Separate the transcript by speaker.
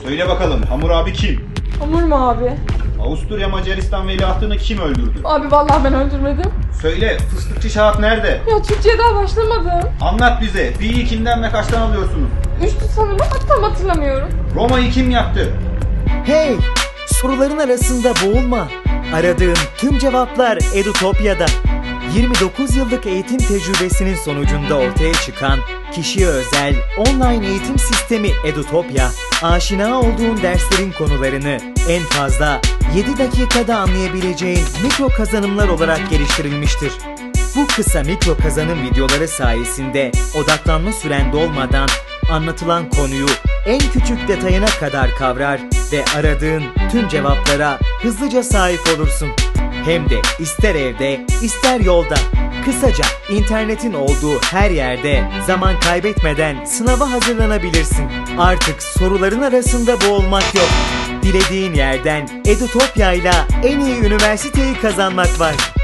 Speaker 1: Söyle bakalım, Hamur abi kim?
Speaker 2: Hamur mu abi?
Speaker 1: Avusturya Macaristan veliahtını kim öldürdü?
Speaker 2: Abi vallahi ben öldürmedim.
Speaker 1: Söyle, fıstıkçı Şahap nerede?
Speaker 2: Ya Türkçe'ye daha başlamadım.
Speaker 1: Anlat bize, Pi'yi kimden ve kaçtan alıyorsunuz?
Speaker 2: Üçtü sanırım, hatta hatırlamıyorum.
Speaker 1: Roma'yı kim yaktı?
Speaker 3: Hey! Soruların arasında boğulma. Aradığın tüm cevaplar Edutopya'da. 29 yıllık eğitim tecrübesinin sonucunda ortaya çıkan kişiye özel online eğitim sistemi Edutopya, aşina olduğun derslerin konularını en fazla 7 dakikada anlayabileceğin mikro kazanımlar olarak geliştirilmiştir. Bu kısa mikro kazanım videoları sayesinde odaklanma süren dolmadan anlatılan konuyu en küçük detayına kadar kavrar ve aradığın tüm cevaplara hızlıca sahip olursun. Hem de ister evde, ister yolda. Kısaca internetin olduğu her yerde zaman kaybetmeden sınava hazırlanabilirsin. Artık soruların arasında boğulmak yok. Dilediğin yerden Edutopya ile en iyi üniversiteyi kazanmak var.